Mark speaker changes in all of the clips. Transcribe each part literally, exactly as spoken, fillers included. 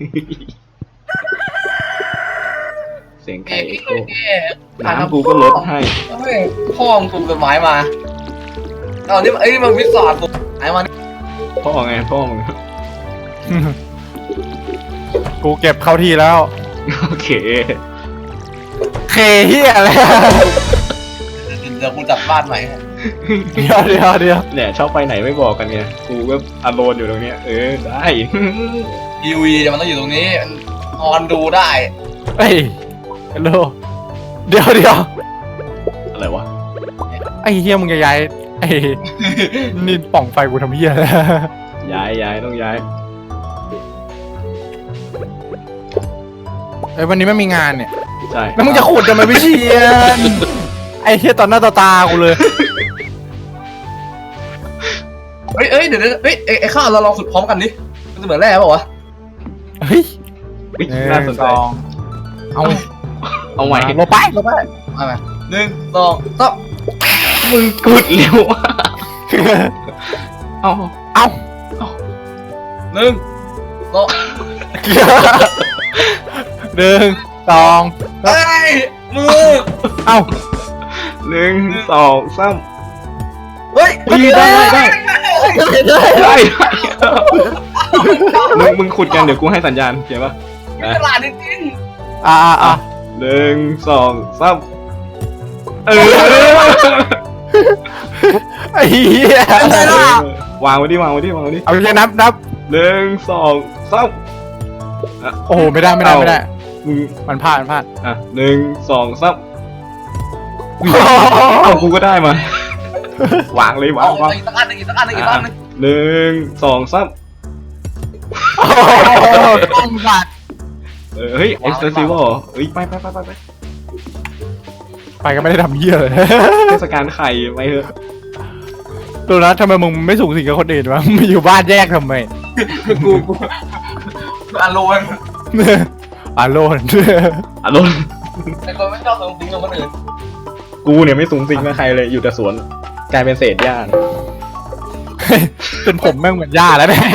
Speaker 1: เสียงไก่เอ็กโคน้ำกูก็ลดให้
Speaker 2: พ่อมึงถูกกฎหมายมาเอานี่ไอ้นี่มันวิสาถูกไอ้มัน
Speaker 1: พ่อไงพ่อมึง
Speaker 3: กูเก็บเข้าที่แล้ว
Speaker 1: โอเค
Speaker 3: เคเฮียอะไร
Speaker 2: เดี๋ยวกูจับบ้านใหม่
Speaker 3: เดี๋ยวเดี๋ยวเดี๋ยว
Speaker 1: เนี่ยชอบไปไหนไม่บอกกันไงกูก็อารมณ์อยู่ตรงเนี้ยเออได้
Speaker 2: ทีวีมันต้องอยู่ตรงนี้นอนดูได้
Speaker 3: เฮ้ยฮัลโหลเดี๋ยวเดี๋ยว
Speaker 1: อะไรวะ
Speaker 3: ไอ้เฮียมึงจะย้ายไอ้นี่ป่องไฟกูทำเฮียแล้ว
Speaker 1: ย้ายย้ายต้องย้าย
Speaker 3: ไอ้วันนี้ไม่มีงานเนี่ย
Speaker 1: ใช่
Speaker 3: แล้วมึงจะขุดทำไมไม่เชียนไอ้เฮียตอนหน้าต่อตากูเลย
Speaker 2: เฮ้ยเอ้ยเดี๋ยวเฮ้ยไอ้ข้าวเราลองขุดพร้อมกันดิมันจะเหมือนแร่ป่าวะ
Speaker 3: เฮ้ย
Speaker 1: น่าสนใจ
Speaker 3: เอา
Speaker 1: เอาใหม่
Speaker 3: ลงไปลงไป
Speaker 2: เอาไปหนึ่งสองสาม
Speaker 1: มึงขุดเร็วเอา
Speaker 3: เอา
Speaker 2: หนึ่งสอง
Speaker 3: หนึ่งสอง
Speaker 2: เฮ้ยมือ
Speaker 3: เอา
Speaker 1: หนึ่งสองสาม
Speaker 2: เฮ้ย
Speaker 1: ได้ได้ได้ได้มึงมึงขุดกันเดี๋ยวกูให้สัญญาณเขียนป่ะ
Speaker 2: ตลาดจริง
Speaker 3: อ่าอ่า
Speaker 1: หนึ่งสองสามเออ
Speaker 3: ไอ้เหี้ยว
Speaker 1: างไว้ดิวางไว้ดิวางไว้ดิ
Speaker 3: เอาเลยนับนับ
Speaker 1: หนึ่งสองสาม
Speaker 3: โอ้โหไม่ได้ไม่ได้ไม่ได้มึงมันพลาดมันพลาด
Speaker 1: อ่ะหนึ่งสองสามเอากูก็ได้มาวางเลยวางวาง
Speaker 2: อีกสักอันหนึ่งอีกสักอันหนึ่งอีกสักอันหนึ่ง
Speaker 1: หนึ่งสองสาม
Speaker 3: ต้องบัด
Speaker 1: เออเฮ้ยเอ็กซ์เซซิวเฮ้ยไปไปไปไปไป
Speaker 3: ไปก็ไม่ได้ทำเหี้ยเลย
Speaker 1: เทศกาลไข่ไปเถอะ
Speaker 3: ตัวนั้นทำไมมึงไม่สูงสิงกับคนอื่นวะมึงอยู่บ้านแยกทำไม
Speaker 2: กูกูอารมณ์
Speaker 3: อารมณ์
Speaker 1: อารมณ์
Speaker 2: แต่คนไม่ชอบสูงสิงกับคนอื่น
Speaker 1: กูเนี่ยไม่สูงสิงกับใครเลยอยู่แต่สวนกลายเป็นเศษหญ้า
Speaker 3: เป็นผมแม่งเหมือนหญ้าแล้วเนี่ย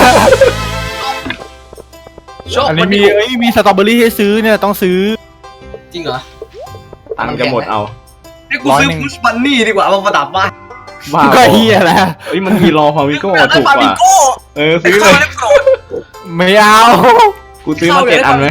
Speaker 3: อันนี้มีเอ้ยมีสตรอเบอรี่ให้ซื้อเนี่ยต้องซื้อ
Speaker 2: จริงเหรอ
Speaker 1: ตังค์จะหมดเอา
Speaker 2: นี่กูซื้อพุชบันนี่ดีกว่ามาประดับบ้าน
Speaker 3: ก็เฮียแล้ว
Speaker 1: เฮ้ยมันมีรอฟามิโก้ถูกกว่าเออซื้อเลย
Speaker 3: ไม่เอา
Speaker 1: กูซื้อมาเจ็ดอันไหม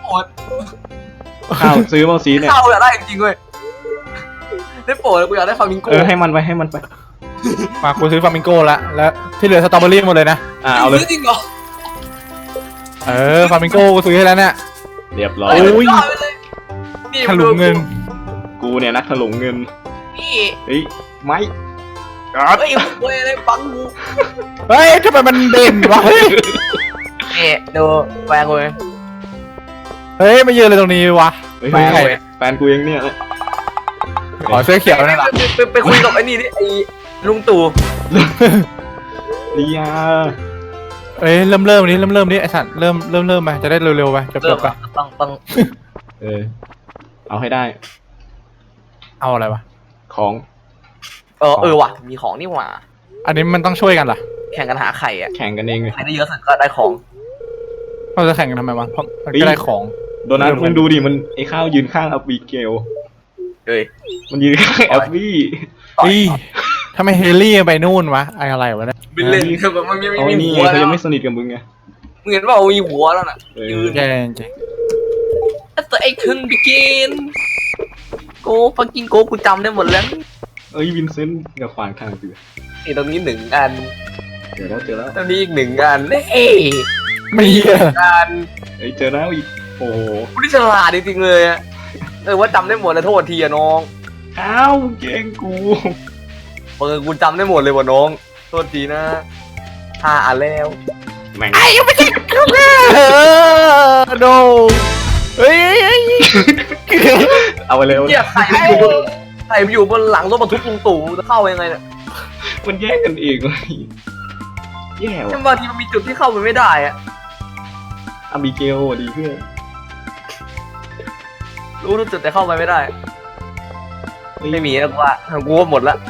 Speaker 1: ข้าวซื้อมาซีเนี่ย
Speaker 2: ข้าวอยากได้จริงๆเว้ยได้โปรดกูอยากได้ฟามิงโก้
Speaker 1: เออให้มันไปให้มันไป
Speaker 3: มากูซื้อฟามิงโก้ละแล้วที่เหลือสตรอเบอรี่หมดเลยนะ
Speaker 1: อ่าเอาเลย
Speaker 2: จริงเหรอ
Speaker 3: เออฟามิงโก้กูซื้อให้แล้วเนี่ย
Speaker 1: เรียบร้อย
Speaker 3: ถลุงเงิน
Speaker 1: กูเนี่ยนักถลุงเงิน
Speaker 2: นี่
Speaker 1: เฮ้ยไม่
Speaker 2: เฮ้ยเว้ยอะไรปังกู
Speaker 3: เฮ้ยทำไมมันเด่นวะเฮ้ย
Speaker 2: เอ๊ะดูแฟนกู
Speaker 3: เฮ้ยมายืนเลยตรงนี้วะ
Speaker 1: แฟนแฟนกูยังเนี่ย
Speaker 3: ขอเสื้อเขียวนั่นแหละ
Speaker 2: ไปคุยกับไอ้นี่ดิไอ้ลุงตู่
Speaker 1: ลียา
Speaker 3: เอ้ยเริ่มเริ่มนี้เริ่มเริ่มนี้ไอ้สัตว์เริ่มเริ่มเริ่มไปจะได้เร็วๆไปจบๆไป
Speaker 2: ต้องต้อง
Speaker 1: เออเอาให้ได้
Speaker 3: เอาอะไรวะ
Speaker 2: ของเออเออว่ะมีของนี่หว่า
Speaker 3: อันนี้มันต้องช่วยกันเหรอ
Speaker 2: แข่งกันหาไข่อะ
Speaker 1: แข่งกันเองเลย
Speaker 2: ใครได้เยอะสุดก็ได้ของ
Speaker 3: เราจะแข่งกันทำไมวะเพราะมันก็ได้ของ
Speaker 1: โดนัทมึงดูดิมันไอ้ข้าวยืนข้างอับบีเกล
Speaker 2: เอ้ย
Speaker 1: มันยืนข้างแอบบี้
Speaker 3: อีทำไมเฮลี่ไปนู่นวะไออะไรวะเนี่ย
Speaker 2: บิลเลนคือแบบมันไม่มี
Speaker 1: หัวเขายังไม่สนิทกับมึงไง
Speaker 2: มึงเห็นว่ามีหัวแล้วน่ะ
Speaker 3: ยืนแย่จริง
Speaker 2: แต่ไอ้คึงบิกินโก้ฟังกินโก้กูจำได้หมดแล้ว
Speaker 1: เอ้ยวินเซนต์กับขวานข้างเสือ
Speaker 2: ไอ้ตรงนี้หนึ่งอัน
Speaker 1: เจอแล้วเจอแล้ว
Speaker 2: ตรงนี้อีกหนึ่งอันเอ้
Speaker 3: ไม่เยอะ
Speaker 2: อัน
Speaker 1: เอ้ยเจอแล้วอีกโอ้
Speaker 2: กูนี่ฉลาดจริงๆเลยอะเออว่าจำได้หมดเลยโทษทีอะน้อง
Speaker 1: อ้าวเก่งกู
Speaker 2: เออกูจำได้หมดเลยว่ะน้องโทษทีนะห้าอันแล้ว
Speaker 1: แม่ง
Speaker 3: ไอ้ยังไม่ติดเออโดเฮ้ย
Speaker 1: เอาไปเลย
Speaker 2: เกี่ยไข่ไข่อยู่บนหลังรถบรรทุกลุงตู่จะเข้ายังไงเนี่ย
Speaker 1: มันแยกกันเองเลยแย่ว่ะ
Speaker 2: บางทีมันมีจุดที่เข้าไปไม่ได้อะ
Speaker 1: อาบิเกลดีเพื่อน
Speaker 2: รู้ทุกจุดแต่เข้าไปไม่ได้ไม่มีแล้วกูว่ากูว่าหมดละ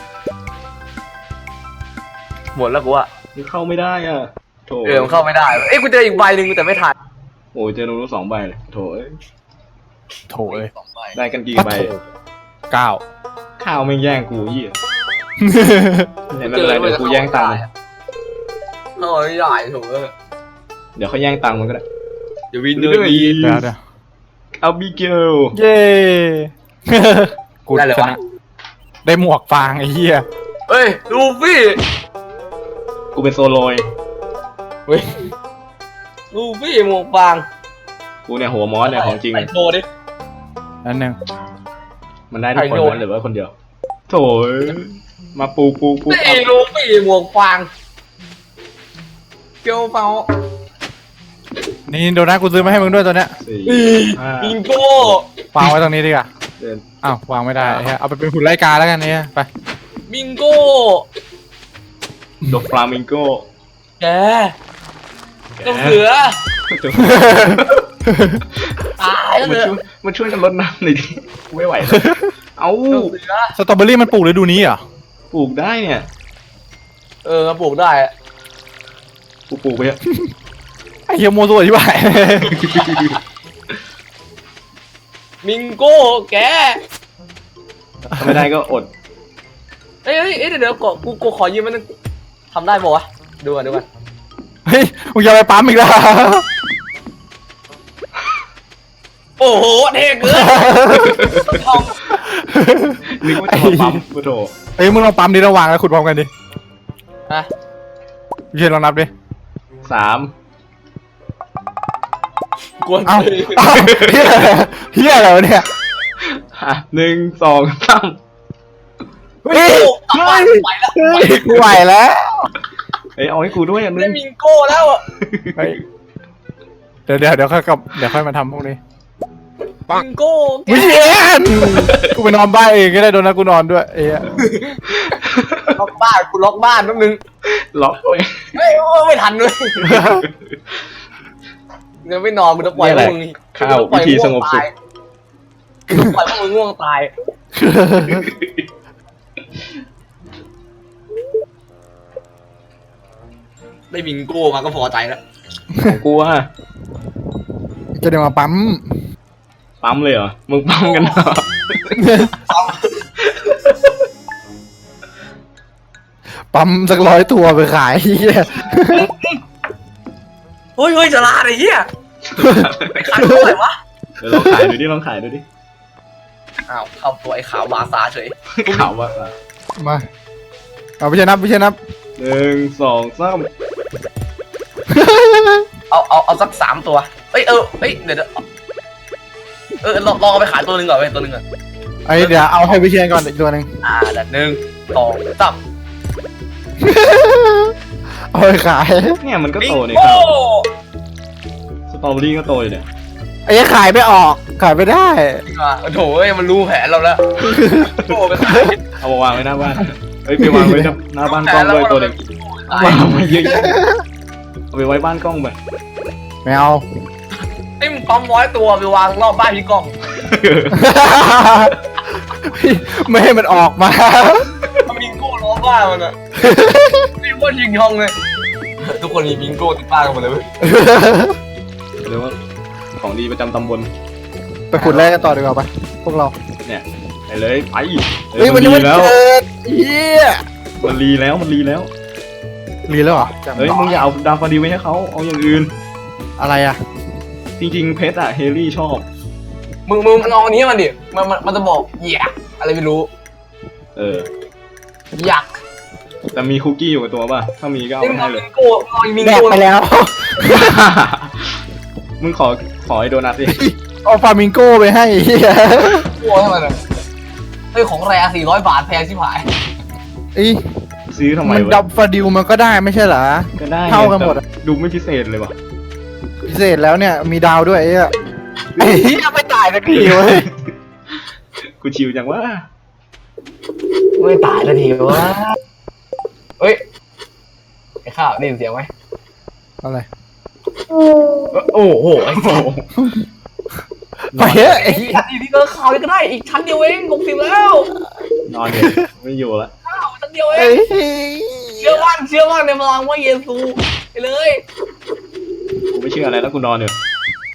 Speaker 2: หมดแล้วกูว่า
Speaker 1: เข้าไม่ได้อ่ะ
Speaker 2: เออเข้าไม่ได้เอ้ยกูเจออีกใบหนึ่งแต่ไม่ทัน
Speaker 1: โอ้ยเจอโนรู้สองใบเลยโถเอ้ย
Speaker 3: โถเอ้ย
Speaker 2: สองใบ
Speaker 1: ได้กันกี่
Speaker 3: ปะ
Speaker 1: ใบ
Speaker 3: โถเก้า
Speaker 1: ข้าวไม่แย่งกูยี่เนี่ยไม่เป็นไรเดี๋ยวกูแย่งตังค์มัน
Speaker 2: โอ้ยใหญ่ถูกเลย
Speaker 1: เดี๋ยวเขาแย่งตังค์มันก็ได้
Speaker 2: เดี๋ยววินเนอร์ดี
Speaker 3: เดี๋ยวเดี๋ยว
Speaker 1: เอาบิเกล
Speaker 3: เย้ กูชนะได้หมวกฟางไอ้เหี้ย
Speaker 2: เฮ้ยลูฟี่
Speaker 1: กูเป็นโซโลย
Speaker 2: เฮ้ยลูฟี่หมวกฟาง
Speaker 1: กูเนี่ยหัวมอสเนี่ยของจริง
Speaker 2: ใส่โชว์ดิ
Speaker 3: อันหนึ่ง
Speaker 1: มันได้ทุกคนนะหรือว่าคนเดียวโถเอ้ยมาปูปูปู
Speaker 2: ไอ้ลูฟี่หมวกฟางเกียวเปา
Speaker 3: นี่โดนัทกูซื้อมาให้มึงด้วยตัวเนี้ย
Speaker 1: สี่ห้า
Speaker 2: บิงโก้
Speaker 3: วางไว้ตรงนี้ดีกว่า
Speaker 1: เดิน
Speaker 3: อ้าววางไม่ได้ไอ้เหี้ยเอาไปเป็นหุ่นไล่กาแล้วกันเนี่ยไป
Speaker 2: บิงโก้
Speaker 1: ดอกฟลามิงโก้
Speaker 2: แกเจ้าเสือตายแล้ว
Speaker 1: มัน
Speaker 2: เสือ
Speaker 1: ช่วยมันช่วยกันลดน้ำหน่อยดิกูไม่ไหวแล้วเอา
Speaker 2: เจ้าเสือ
Speaker 3: สตรอเบอรี่มันปลูกฤดูนี้เหรอ
Speaker 1: ปลูกได้เนี่ย
Speaker 2: เออมาปลูกได้อะ
Speaker 1: กูปลูกไปอะ
Speaker 3: ไอ้เหี้ยโมซัวที่ไหน
Speaker 2: บิงโก้แก
Speaker 1: ถ้าไม่ได้ก็อด
Speaker 2: เอ้ยเอ้ยเอ้ยเดี๋ยวเดี๋ยวกูกูกูขอยืมมันงทำได้ปะวะดูก่อนดูก่อน
Speaker 3: เฮ้ยมึงจะไปปั๊มอีกแล้ว
Speaker 2: โอ้โหเท่เกินทอง
Speaker 1: นึกว่าจะมาปั๊มกูโถ
Speaker 3: เฮ้ยมึงลองปั๊มดิระหว่างแล้วขุดพร้อมกันดิ
Speaker 2: ฮะ
Speaker 3: พี่เชนลองนับดิ
Speaker 1: สาม
Speaker 2: กวน
Speaker 3: เอ้า
Speaker 2: เลย
Speaker 3: เอ้าเฮียเฮียอะไรวะเนี่ย
Speaker 1: อ่ะหนึ่งสองสาม
Speaker 3: เฮ้ย
Speaker 2: ตายไปแล้ว
Speaker 3: เฮ้ยกูไหวแล้ว
Speaker 1: เอ้ยเอาให้กูด้วยอันนึ
Speaker 2: ได้
Speaker 1: ง
Speaker 2: บิงโก้แล้วอะ
Speaker 3: เฮ้ยเดี๋ยวเดี๋ยวเดี๋ยวค่อยกลับเดี๋ยวค่อยมาทำพวกนี้
Speaker 2: บิงโก้แก
Speaker 3: วิเชียนกูไปนอนบ้านเองก็ได้โดนนะกูนอนด้วยเอ้ย
Speaker 2: ล็อกบ้านกูล็อกบ้านแป๊บนึง
Speaker 1: ล็อกไว้
Speaker 2: เฮ้ยโอ้ไม่ทันเลยเดี๋ยวไม่นอนกูจะปล่อยพวกมึง
Speaker 1: ข้าววิธีสงบสุข
Speaker 2: กูจะปล่อยพวกมึงง่วงตายได้บิงโก้มาก็พอใจแล้ว
Speaker 1: ของกูอะ
Speaker 3: จะเดี๋ยวมาปั๊ม
Speaker 1: ปั๊มเลยเหรอมึงปั๊มกันเหรอ
Speaker 3: ปั๊มสักร้อยตัวไปขายเฮีย
Speaker 2: เฮ้ยเฮ้ยจะลาไอ้เหี้ยไปขายเท่าไหร่วะ
Speaker 1: เดี๋ยวลองขายดูดิลองขายดูดิ
Speaker 2: อ้าวเข้าตัวไอ้ขาวบาซาเฉย
Speaker 1: ข่าวว่า
Speaker 3: มาเอาพี่เชนนับพี่เชนนับ
Speaker 1: หนึ่งสองสาม
Speaker 2: เอาเอาเอาสักสามตัวเอ้ยเออเอ้ยเดี๋ยวเดี๋ยวเออลองลองเอาไปขายตัวหนึ่งก่อนไปตัวหนึ่งก่อน
Speaker 3: ไอ้เดี๋ยวเอาให้พี่เชนก่อนอีกตัวหนึ่ง
Speaker 2: อ่าเดี๋ยวหนึ่งสองสาม
Speaker 3: เอาไปขาย
Speaker 1: เนี่ยมันก็
Speaker 2: บิง
Speaker 1: โตเนี่ย
Speaker 2: โก้
Speaker 1: ข้าวสตรอเบอรี่ก็โตอยู่เนี่ย
Speaker 3: ไอ้เหี้ยขายไม่ออกขายไม่ได้
Speaker 2: อ่ะโอ้โถเอ้ยมันรู้แผนเราแล้วโก้ไปขาย
Speaker 1: เอามาวางไว้หน้าบ้านเฮ้ยไปวางไว้หน้าบ้านกล้องด้วยตัวหนึ่งวางไว้เยอะๆเอาไปไว้บ้านกล้องไป
Speaker 3: ไม่เอา
Speaker 2: ไอ้มึงปั๊มร้อยตัวไปวางรอบบ้านพี่กล้อง
Speaker 3: ไม่ให้มันออกมา
Speaker 2: มันบิงโก้ล้อบ้านมันอะนี่ว่ายิงยองเลยทุกคนมีบิงโก้ติดบ้านกันหมดเลยเว้ย
Speaker 1: เรียกว่าของดีประจำตำบล
Speaker 3: ไปขุดแร่กันต่อดีกว่าปะพวกเรา
Speaker 1: เนี่ยไปเลยไป
Speaker 3: เฮ้ย
Speaker 1: มั
Speaker 3: มัน
Speaker 1: น
Speaker 3: ยัง
Speaker 1: รี
Speaker 3: ไม่
Speaker 1: แล้ว
Speaker 3: เกิดเฮีย
Speaker 1: มันรีแล้วมันรีแล้ว
Speaker 3: รีแล้วเหรอ
Speaker 1: เฮ้ยมึงอย่าเอาดาวฟาดีไว้ให้เขาเอาอย่างอื่น
Speaker 3: อะไรอ่ะ
Speaker 1: จริงๆเพชรอะเฮลี่ชอบ
Speaker 2: มึงมึงมันเอาอันนี้มันดิมันมันมันจะบอกอยากอะไรไม่รู้
Speaker 1: เออ
Speaker 2: อยาก
Speaker 1: แต่มีคุกกี้อยู่กับตัวป่ะถ้ามีก็เอา
Speaker 2: นี่
Speaker 1: ไป
Speaker 2: มึง
Speaker 1: ให้
Speaker 2: เอา
Speaker 1: เล
Speaker 2: บิ
Speaker 1: ย
Speaker 2: งโก้เอาบิง
Speaker 3: แดก
Speaker 2: โก้
Speaker 3: ไปแล้ว
Speaker 1: มึงขอขอไอ้โดนัทดิ
Speaker 3: เอาฟามิงโก้ไปให้เฮีย
Speaker 2: โก้ให้มันเลยเฮ้ยของแรสี่ร้อยบาทแพงชิบหาย
Speaker 3: ไอ้
Speaker 1: ซื้อทำไม
Speaker 3: มัน
Speaker 1: วะ
Speaker 3: ดับฟาดิวมันก็ได้ไม่ใช่เหรอ
Speaker 1: ก็ได้
Speaker 3: เท่ากันหมดอะ
Speaker 1: แต่ดูไม่พิเศษเลยว่ะ
Speaker 3: พิเศษแล้วเนี่ยมีดาวด้วยไอ้เหี้ยไอ้เหี้ยไม่ตายสักทีเว้ย
Speaker 1: กูชิวจังว่า
Speaker 2: ไม่ตายเลยทีวะเฮ้ยไอ้ข้าวได้ยินเสียงไหม
Speaker 3: อะไร
Speaker 2: โอ้โหไอ้โ
Speaker 3: ไปเฮ้ยไอ้
Speaker 2: อีกชั้นนี้ก็ข่าวเลยก็ได้อีกชั้นเดียวเองหกสิบแล้ว
Speaker 1: นอนเนี่ยไม่อยู่ละ
Speaker 2: ข้าวชั้นเดียวเอ
Speaker 3: ไอ้
Speaker 2: ง
Speaker 3: เหี้ย
Speaker 2: เชื่อมั่นเชื่อมั่นในพลังว่าเยซูไปเลย
Speaker 1: กูไม่เชื่ออะไรแล้วกูนอนอยู่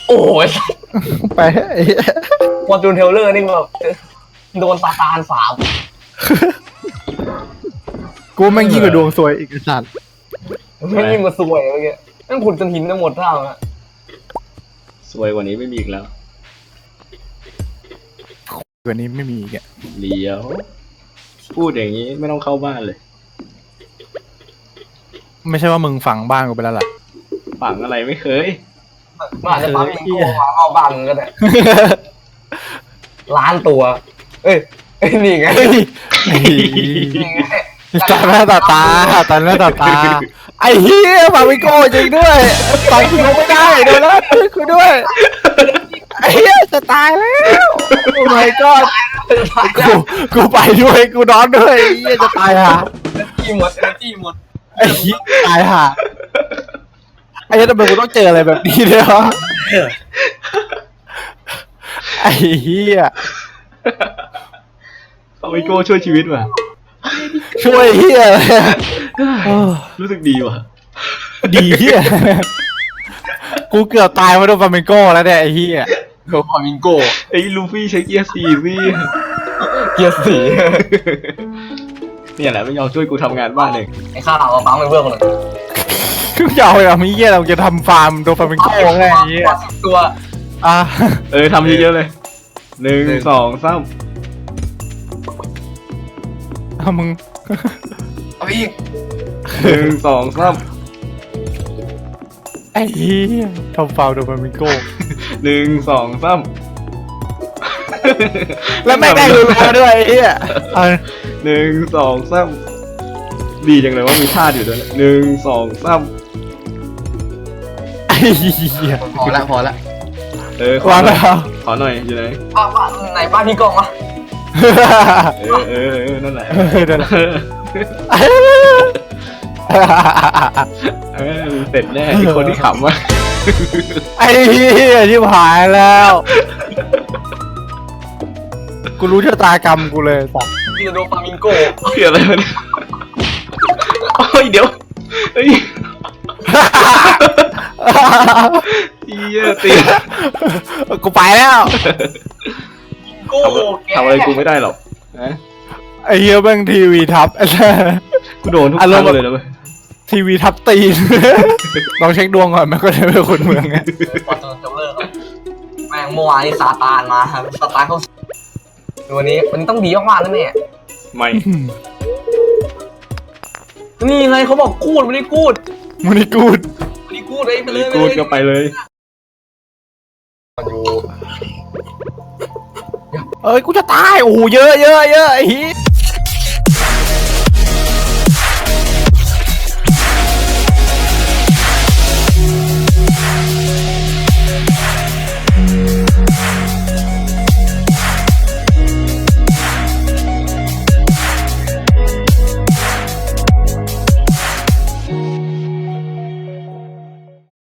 Speaker 2: โอ้ย
Speaker 3: ไปไอ้เหี้ย
Speaker 2: ฟอร์จูนเทเลอร์นี่แบบโดนซาตานสาบ
Speaker 3: กูแม่งยิ่งกว่าดวงซวยอีกไอ้สัตว์
Speaker 2: ไม่ยิ่งมาสวยเมื่อกี้นั่นขุดจนหินจะหมดเท่าอะ
Speaker 1: สวยกว่านี้ไม่มีอีกแล้ว
Speaker 3: กว่านี้ไม่มีอีกอ่ะ
Speaker 1: เดี๋ยว พูดอย่างนี้ไม่ต้องเข้าบ้านเลย
Speaker 3: ไม่ใช่ว่ามึงฝังบ้านกูไปแล้วล่ะ
Speaker 1: ฝังอะไรไม่เคย
Speaker 2: มันอาจจะปั๊มมิงโก้มาเอาบ้านมึงก็ได้ล้านตัว เอ้ยเอ้ยนี่ไง
Speaker 3: เฮ้ย
Speaker 2: นี่ไง
Speaker 3: ตาหน้าตาตาตาหน้าตาตาไอ้เหี้ยฝังไม่โก้จริงด้วยฝังกูไม่ได้เดี๋ยวนะกูด้วยไอ้เหี้ยจะตายแล้วโอ้ my god กูกูไปด้วยกูนอนด้วยไอ้เหี้ยจะตายห่า
Speaker 2: จี้หมดเอเนจี้หมด
Speaker 3: ไอ้เหี้ยตายห่าไอ้เหี้ยทำไมกูต้องเจออะไรแบบนี้เนี่ยวะไอ้เหี้ย
Speaker 1: เอาไอโก้ช่วยชีวิตว่ะ
Speaker 3: ช่วยเหี้ยอะไรอะเออ
Speaker 1: รู้สึกดีว่ะ
Speaker 3: ดีเหี้ยกูเกือบตายมาโดนฟลาเมงโก้แล้วเนี่ยไอ้เหี้ย
Speaker 2: โดนฟามิงโก้
Speaker 1: ไอ้ลูฟี่ใช้เกียร์สี่สิ
Speaker 2: เกียร์สี
Speaker 1: เนี่ยแหละไม่ยอมช่วยกูทำงานบ้านเอง
Speaker 2: ไอ้ข้าวเอาปั๊มไปเพื่อนคนหนึ่ง
Speaker 3: คือจะเอาอย่างนี้เหี้ยเราจะทำฟาร์มโดนฟลาเมงโก้ไงไอ้เหี้ย
Speaker 2: สิบตัว
Speaker 3: อ่ะ
Speaker 1: เออทำเยอะๆเลยหนึ่งสองสาม
Speaker 3: เอามึง
Speaker 2: เอาไปอีก
Speaker 1: หนึ่งสองสาม
Speaker 3: ไอ้เหี้ยทำฟาร์มโดนฟลาเมงโก้
Speaker 1: หนึ่งสองสาม
Speaker 3: แล้วแม่งได้รู้แล้วด้วยไอ้เหี้ยเอา
Speaker 1: หนึ่งสองสามดีจังเลยว่ามีท่าอยู่ด้วยนะหนึ่งสองสาม
Speaker 3: ไอ้เหี้ย
Speaker 2: พอละพอละ
Speaker 1: เออขอ
Speaker 3: วาง
Speaker 1: หน่
Speaker 3: แล้
Speaker 1: อยว ขอหน่อยอยู่ไหน
Speaker 2: บ้านบ้านไหนบ้านพี่กองวะ
Speaker 1: เออเออเออนั่นแหละ
Speaker 3: เออนั่นแหละ
Speaker 1: เออเสร็จแน่ไอ้คนที่ขำวะ
Speaker 3: ไอ้เหี้ยที่หายแล้ว กูรู้ชะตากรรมกูเลยสัส
Speaker 2: ที่จะโดนฟามิงโก้
Speaker 1: เสียอะไรวะเนี่ยโอ้ยเดี๋ยวเฮ้ยเหี้ยตี
Speaker 3: กูไปแล้ว
Speaker 2: โก้
Speaker 1: ทำทำอะไรกูไม่ได้หรอกนะ
Speaker 3: ไอ้เหี้ยแม่งทีวีทับ ไอ้สัส
Speaker 1: กูโดนทุกค
Speaker 3: อาร
Speaker 1: รั้
Speaker 3: ม
Speaker 1: ง
Speaker 3: ณ์แบบ
Speaker 1: เลยนะเว้ย
Speaker 3: ทีวีทับตีน ลองเช็คดวงก่อนมันก็ได้เป็นคนเมืองไง
Speaker 2: ฟอร์จูนเทเลอร์แม่งเมื่อวานนี้ซาตานมาครับซาตานเขาวันนี้วันนี้ต้องดีมากๆนะแม่
Speaker 1: ไม่
Speaker 2: นี่ไงเขาบอกกูดไม่ได้กูด
Speaker 3: มันนี่กูด
Speaker 2: ไม่ได้กูดเลยไปเลยไป
Speaker 1: กู
Speaker 2: เลย
Speaker 1: ก็ไปเลย
Speaker 2: อยู่
Speaker 3: เอ้ยกูจะตายโอ้โหเยอะเยอะเยอะไอ้เหี้ย